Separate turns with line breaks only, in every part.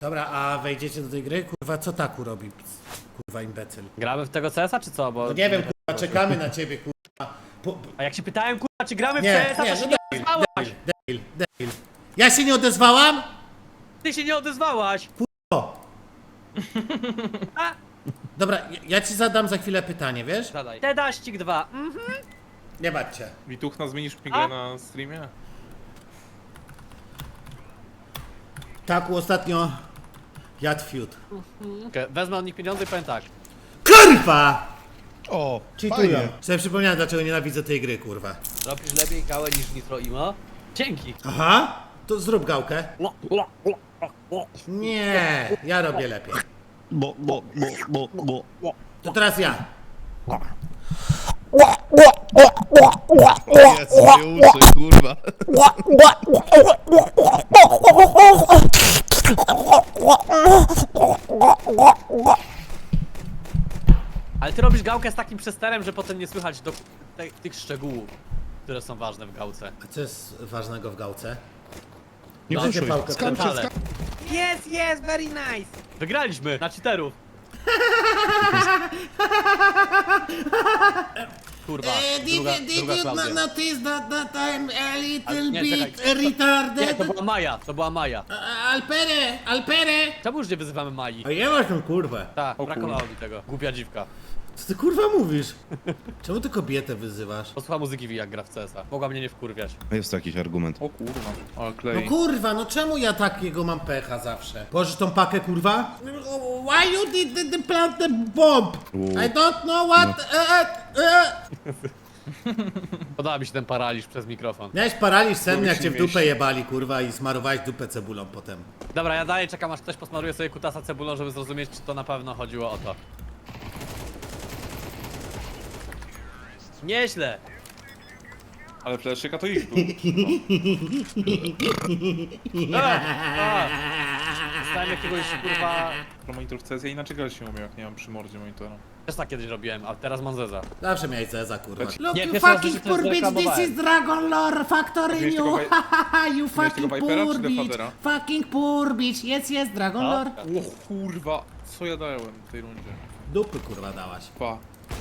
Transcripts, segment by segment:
Dobra, a wejdziecie do tej gry? Kurwa, co Taku robi? Kurwa, imbecyl.
Gramy w tego CS-a czy co? Bo...
No nie wiem, kurwa, czekamy na ciebie, kurwa.
A jak się pytałem, kurwa, czy gramy w
Nie,
CS-a,
nie,
to się
no
nie odezwałaś!
Debil. Ja się nie odezwałam?
Ty się nie odezwałaś!
O.
A!
Dobra, ja ci zadam za chwilę pytanie, wiesz?
Zadaj. Tedaścik 2.
Nie baczcie.
Wituchna, zmienisz mi
A?
grę na streamie?
Taku ostatnio jadł fiut.
Okay, wezmę od nich pieniądze i powiem tak.
Kurwa!
O,
Cheatują.
fajnie.
Sobie przypomniałem, dlaczego nienawidzę tej gry, kurwa.
Robisz lepiej gałę niż Nitro Imo? Dzięki!
Aha, to zrób gałkę. Nie, ja robię lepiej. To teraz ja.
Jezu, nie uczy, kurwa.
Ale ty robisz gałkę z takim przesterem, że potem nie słychać do tych szczegółów, które są ważne w gałce.
A co jest ważnego w gałce?
Nie
Dajcie
puszuj.
pałkę.
Skacz,
Ale.
skacz.
Yes, very nice! Wygraliśmy na cheaterów. Kurwa, druga Klaudia.
notice that I'm a little
Nie,
bit
czekaj. Nie,
retarded?
to była Maja, to była Maja.
Alpere!
Czemu już nie wyzywamy Mai?
A nie masz tą kurwę.
Tak,
O
brakowało mi tego. Głupia dziwka.
Co ty kurwa mówisz? Czemu ty kobietę wyzywasz?
Posłucha muzyki jak gra w CS-a. Mogła mnie nie wkurwiać.
Jest to jakiś argument.
O kurwa, ale
No
klei.
kurwa, no czemu ja takiego mam pecha zawsze? Położysz tą pakę, kurwa? Why you did the plant the bomb? I don't know what...
Podoba mi się ten paraliż przez mikrofon.
Miałeś paraliż senny, jak
się
cię w
mieści.
dupę jebali, kurwa, i smarowałeś dupę cebulą potem.
Dobra, ja dalej czekam, aż ktoś posmaruje sobie kutasa cebulą, żeby zrozumieć, czy to na pewno chodziło o to. Nieźle!
Ale fleszyka to ich był.
Dostałem jakiegoś, kurwa...
Pro monitor w CS ja inaczej grać się umiał, jak nie mam przy mordzie monitora.
Też tak kiedyś robiłem, a teraz mam zeza.
Zawsze miałeś Zeza, kurwa. Look,
Nie,
you
pierwszy raz
fucking
w życiu
poor
to
bitch, this
zreklamowałem.
is Dragon Lore Factory
Miałeś
New.
tego
You
Miałeś
fucking
tego Vipera
poor
czy
bitch.
Defadera?
Fucking poor bitch. Jest Dragon
No.
Lore.
O kurwa, co ja dałem w tej rundzie?
Dupy, kurwa, dałaś.
Pa.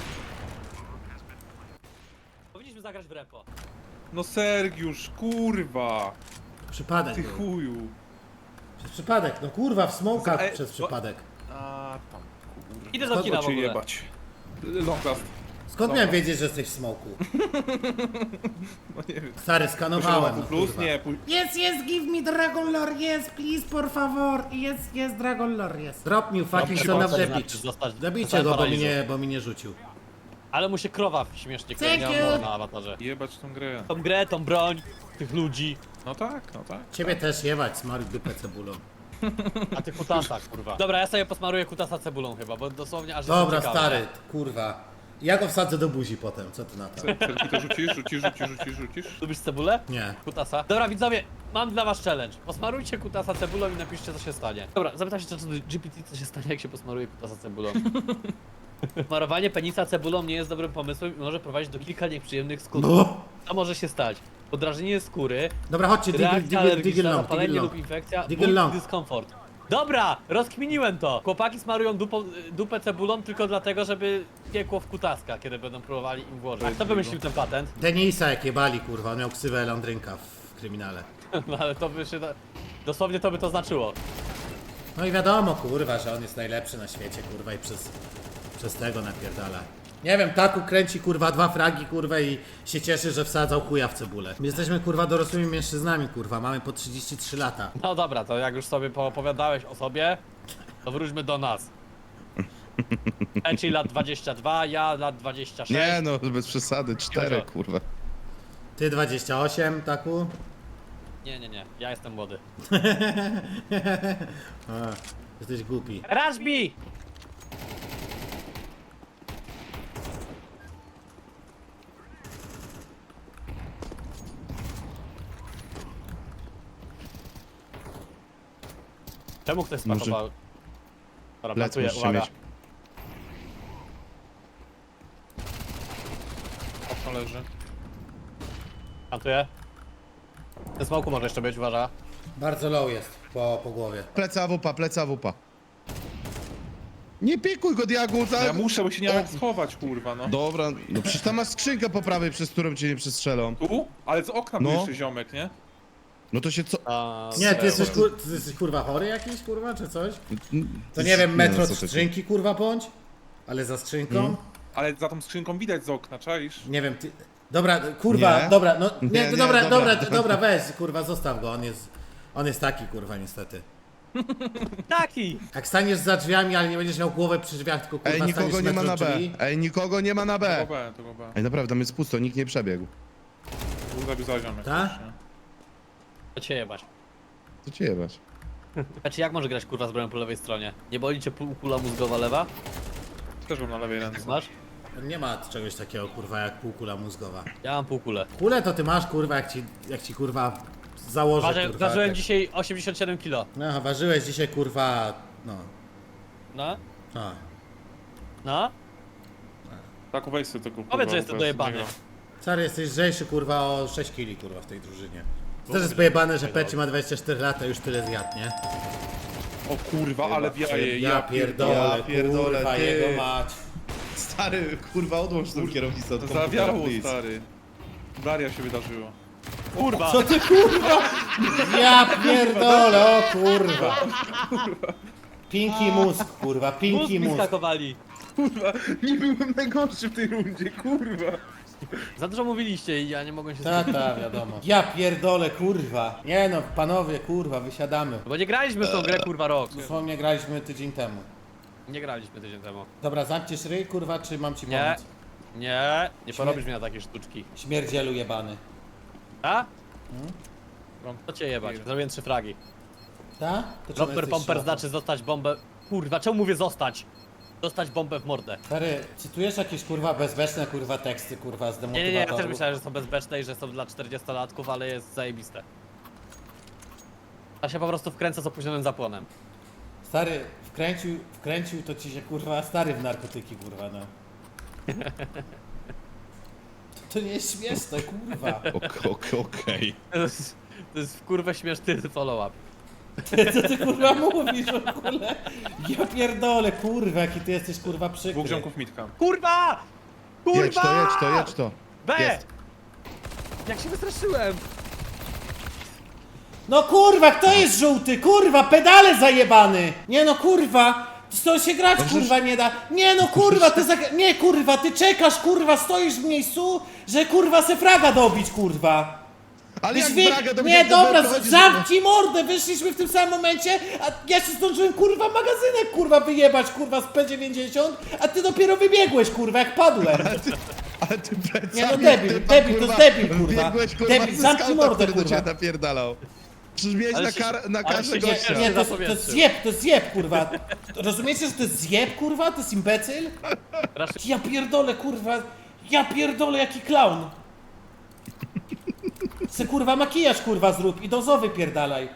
Powinniśmy zagrać w repo.
No Sergiusz, kurwa!
Przypadek
Ty
był.
chuju.
Przez przypadek, no kurwa, w smokach
Ej,
przez
bo-
przypadek.
A tam, kurwa.
Idę do kina w
Cię
ogóle.
jebać. Long last.
Skąd miałem wiedzieć, że jesteś w smoku?
No nie wiem.
Stary, skanowałem, no,
plus?
kurwa.
Nie,
Yes, give me Dragon Lore, yes, please, por favor. Yes, Dragon Lore, yes. Drop me, fucking son of the bitch. Zabijcie go, bo mi nie rzucił.
Ale mu się krowa śmiesznie
Thank
klejnia
you.
na awatarze.
jebać tą grę.
Tą grę, tą broń, tych ludzi.
No tak, no tak.
Ciebie też jebać, smaruj dupę cebulą.
A ty kutasa, kurwa. Dobra, ja sobie posmaruję kutasa cebulą chyba, bo dosłownie aż
Dobra,
jestem ciekawy.
stary, kurwa. Ja go wsadzę do buzi potem, co ty na to?
Serki to rzucisz?
Lubisz cebulę?
Nie.
Kutasa. Dobra, widzowie, mam dla was challenge. Posmarujcie kutasa cebulą i napiszcie, co się stanie. Dobra, zapytam się GPT, co się stanie, jak się posmaruje kutasa cebulą. Smarowanie penisa cebulą nie jest dobrym pomysłem i może prowadzić do kilka nieprzyjemnych skutków.
No.
Co może się stać? Podrażnienie skóry,
Dobra, chodźcie,
reakcja
diggle
alergiczna,
long,
zapalenie
diggle
lub
long.
infekcja,
Diggle
ból
long.
i dyskomfort. Dobra, rozkminiłem to. Chłopaki smarują dupę cebulą tylko dlatego, żeby piekło w kutaska, kiedy będą próbowali im włożyć. A kto wymyślił ten patent?
Denisa jak jebali, kurwa, on miał ksywę Landrynka w kryminale.
No ale to by się... Dosłownie to by to znaczyło.
No i wiadomo, kurwa, że on jest najlepszy na świecie, kurwa, i przez tego napierdala. Nie wiem, Taku kręci, kurwa, 2 fragi, kurwa, i się cieszy, że wsadzał chuja w cebulę. My jesteśmy, kurwa, dorosłymi mężczyznami, kurwa, mamy po 33 lata.
No dobra, to jak już sobie poopowiadałeś o sobie, to wróćmy do nas. Eci lat 22, ja lat 26.
Nie no, bez przesady, 4
Jojo.
kurwa.
Ty 28, Taku?
Nie, ja jestem młody.
A, jesteś głupi.
Rashbi! Czemu ktoś
Może-
spakował? Dobra,
Plec
plantuję,
musicie
uwaga.
mieć.
Okno leży.
Plantuję. Ten smoku może jeszcze być, uważa.
Bardzo low jest. po głowie.
Pleca wupa. Nie pikuj go, Diagu, tak?
Ja muszę, bo się nie mam jak schować, kurwa, no.
Dobra, no przecież tam masz skrzynkę po prawej, przez którą cię nie przestrzelą.
Tu? Ale z okna
No.
był jeszcze ziomek, nie?
No to się co...
Nie, ty jesteś kurwa chory jakiś, kurwa, czy coś? To nie wiem,
no,
metro
co ty-
skrzynki, kurwa, bądź? Ale za skrzynką?
Ale za tą skrzynką widać z okna, czaisz?
Nie wiem, ty... Dobra, kurwa,
Nie?
dobra, no, nie,
Nie,
dobra, weź, kurwa, zostaw go, on jest taki, kurwa, niestety.
Taki!
Jak staniesz za drzwiami, ale nie będziesz miał głowę przy drzwiach, tylko kurwa
Ej, nikogo
staniesz
nie ma
metro
na B.
drzwi.
Ej, nikogo nie ma na
To
B.
B, to B.
Ej, naprawdę, tam jest pusto, nikt nie przebiegł.
Tu zabił za ziomek.
Ta?
też, nie?
To cię jebać.
Co cię jebać?
Znaczy jak może grać kurwa z bronią po lewej stronie? Nie boli cię kula mózgowa lewa?
Też mam na lewej ręce.
Masz?
Nie ma czegoś takiego, kurwa, jak półkula mózgowa.
Ja mam półkulę.
Kulę to ty masz, kurwa, jak ci kurwa, założę, kurwa.
Ważyłem
tak.
dzisiaj 87 kg.
No, ważyłeś dzisiaj, kurwa, no.
No?
A.
No?
Tak, weź sobie tego, kurwa.
Powiedz, że jestem
teraz
dojebany.
nie gram.
Stary, jesteś lżejszy, kurwa, o 6 kili, kurwa, w tej drużynie. To też jest pojebane, że Peci ma 24 lata, już tyle zjadł, nie?
O kurwa, ale wjaje,
Ja pierdolę,
Ja pierdolę,
kurwa,
ty.
jego mać.
Stary, kurwa, odłącz tą kierownicę od komputera,
Zawiało,
please.
stary. Daria się wydarzyło.
Kurwa!
Co ty, kurwa? Ja pierdolę, o kurwa. Pinki mózg, kurwa,
Mózg
pinki
mi
mózg.
skakowali.
Kurwa, nie byłem najgorszy w tej rundzie, kurwa.
Za dużo mówiliście i ja nie mogłem się
Ta, wiadomo. Ja pierdolę, kurwa. Nie no, panowie, kurwa, wysiadamy.
Bo nie graliśmy w tą grę kurwa rok.
Dosłownie graliśmy tydzień temu.
Nie graliśmy tydzień temu.
Dobra, zamkniesz ryj, kurwa, czy mam ci
Nie.
pomóc?
Nie porobisz mnie na takie sztuczki.
Śmierdzielu jebany.
A? To cię jebać. Zrobiłem 3 fragi.
Ta? To czemu
Romper
jesteś
pomper
szlafą?
znaczy zostać bombę. Kurwa, czemu mówię zostać? Dostać bombę w mordę.
Stary, cytujesz jakieś kurwa bezbeczne kurwa teksty kurwa z
Nie,
demotywatorów?
ja też myślałem, że są bezbeczne i że są dla 40-latków, ale jest zajebiste. Ja się po prostu wkręcę z opóźnionym zapłonem.
Stary, wkręcił to ci się kurwa stary w narkotyki kurwa no. To nie jest śmieszne kurwa.
Okej.
To jest w kurwę śmieszny follow-up.
Co ty kurwa mówisz w ogóle? Ja pierdolę kurwa, jaki ty jesteś kurwa przykry.
Dwóch ziomków mitka.
Kurwa! Kurwa!
Jedź to.
B!
Jest.
Jak się wystraszyłem!
No kurwa, kto jest żółty? Kurwa, pedale zajebany! Nie no kurwa! To się grać kurwa nie da. Nie no kurwa, nie kurwa, ty czekasz kurwa, stoisz w miejscu, że kurwa se fraga dobić kurwa.
Ale jak
Wy-
Braga to
nie,
będzie-
dobra,
prowadzisz-
zamknij mordę, wyszliśmy w tym samym momencie, a ja się zdążyłem kurwa magazynek kurwa wyjebać kurwa z P90, a ty dopiero wybiegłeś kurwa jak padłem.
Ale ty plecami,
Nie, no debil,
ty tam,
debil, to jest debil, kurwa.
Biegłeś, kurwa,
Debil,
ze
zamknij
skauta,
mordę,
który do
kurwa.
ciebie napierdalał. Przecież miałeś
Ale
na,
się-
na
ale
karze
się
gościa.
nie-
Nie, to
zapowietrzył.
jest zjeb kurwa. Rozumiecie, że to jest zjeb kurwa? To jest imbecyl? Ja pierdolę kurwa, ja pierdolę jaki klaun. Se kurwa makijaż kurwa zrób i dozowy pierdalaj.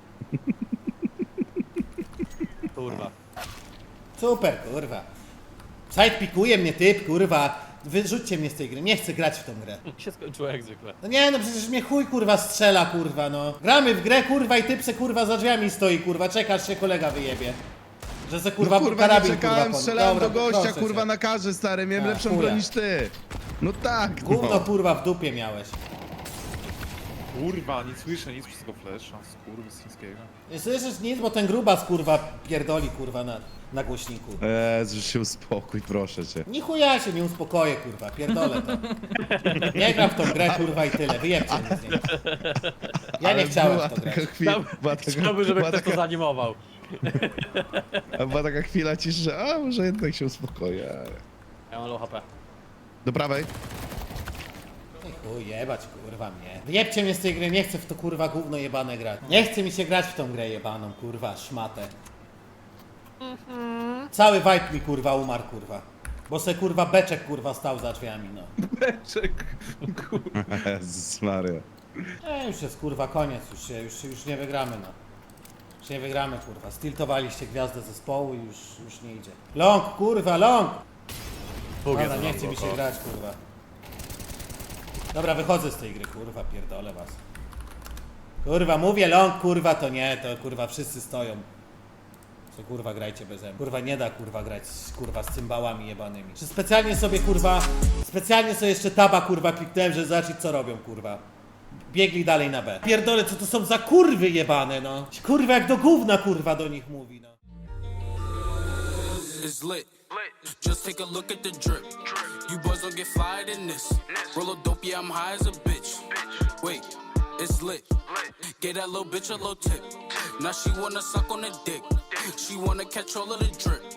Kurwa.
Super kurwa. Side pikuje mnie typ kurwa. Wyrzućcie mnie z tej gry, nie chcę grać w tą grę.
Się skończyło jak zwykle.
No nie no przecież mnie chuj kurwa strzela kurwa no. Gramy w grę kurwa i typ se kurwa za drzwiami stoi kurwa, czekasz się kolega wyjebie. Że se kurwa,
No kurwa, nie
karabin
czekałem,
kurwa
strzelałem
Dobra,
do gościa,
proszę
kurwa,
cię.
na karze, stary, miałem
A,
lepszą
chuja.
broń niż ty. No tak,
Gówno
no.
kurwa w dupie miałeś.
Kurwa, nie słyszę nic przez tego flesza, skurwy z chińskiego.
Nie słyszysz nic, bo ten grubas kurwa pierdoli kurwa na głośniku.
Jezu, się uspokój, proszę cię.
Ni chuja się nie uspokoję kurwa, pierdolę to. Nie gram w tą grę kurwa i tyle, wyjebcie mnie z niej. Ja nie
Ale
chciałem
była
w to grać.
taka chwila, była taka,
Chciałbym, żeby
była
ktoś to
taka,
zanimował.
była taka chwila ciszy, że a może jednak się uspokoję.
Ja mam low HP.
Do prawej.
Ej, chuj, jebać kurwa mnie. Wyjebcie mnie z tej gry, nie chcę w to kurwa gówno jebane grać. Nie chce mi się grać w tą grę jebaną kurwa, szmatę. Cały vibe mi kurwa umarł kurwa. Bo se kurwa beczek kurwa stał za drzwiami no.
Beczek, kurwa.
Jezus Maria.
Już jest kurwa koniec, już nie wygramy no. Już nie wygramy kurwa. Stiltowaliście gwiazdę zespołu i już nie idzie. Long kurwa, long! Dobra, nie chce mi się grać kurwa. Dobra, wychodzę z tej gry kurwa, pierdolę was. Kurwa, mówię long, kurwa, to nie, to kurwa wszyscy stoją. Co kurwa grajcie beze mnie. Kurwa nie da kurwa grać kurwa z cymbałami jebanymi. Czy specjalnie sobie kurwa, specjalnie sobie jeszcze taba kurwa kliknąłem, żeby zobaczyć co robią kurwa. Biegli dalej na B. Pierdolę, co to są za kurwy jebane, no. Kurwa jak do gówna kurwa do nich mówi, no.
It's lit. Just take a look at the drip. You boys don't get flyer than this. Roll a dope, yeah, I'm high as a bitch. Wait, it's lit. Get that little bitch a little tip. Now she wanna suck on the dick. She wanna catch all of the drip.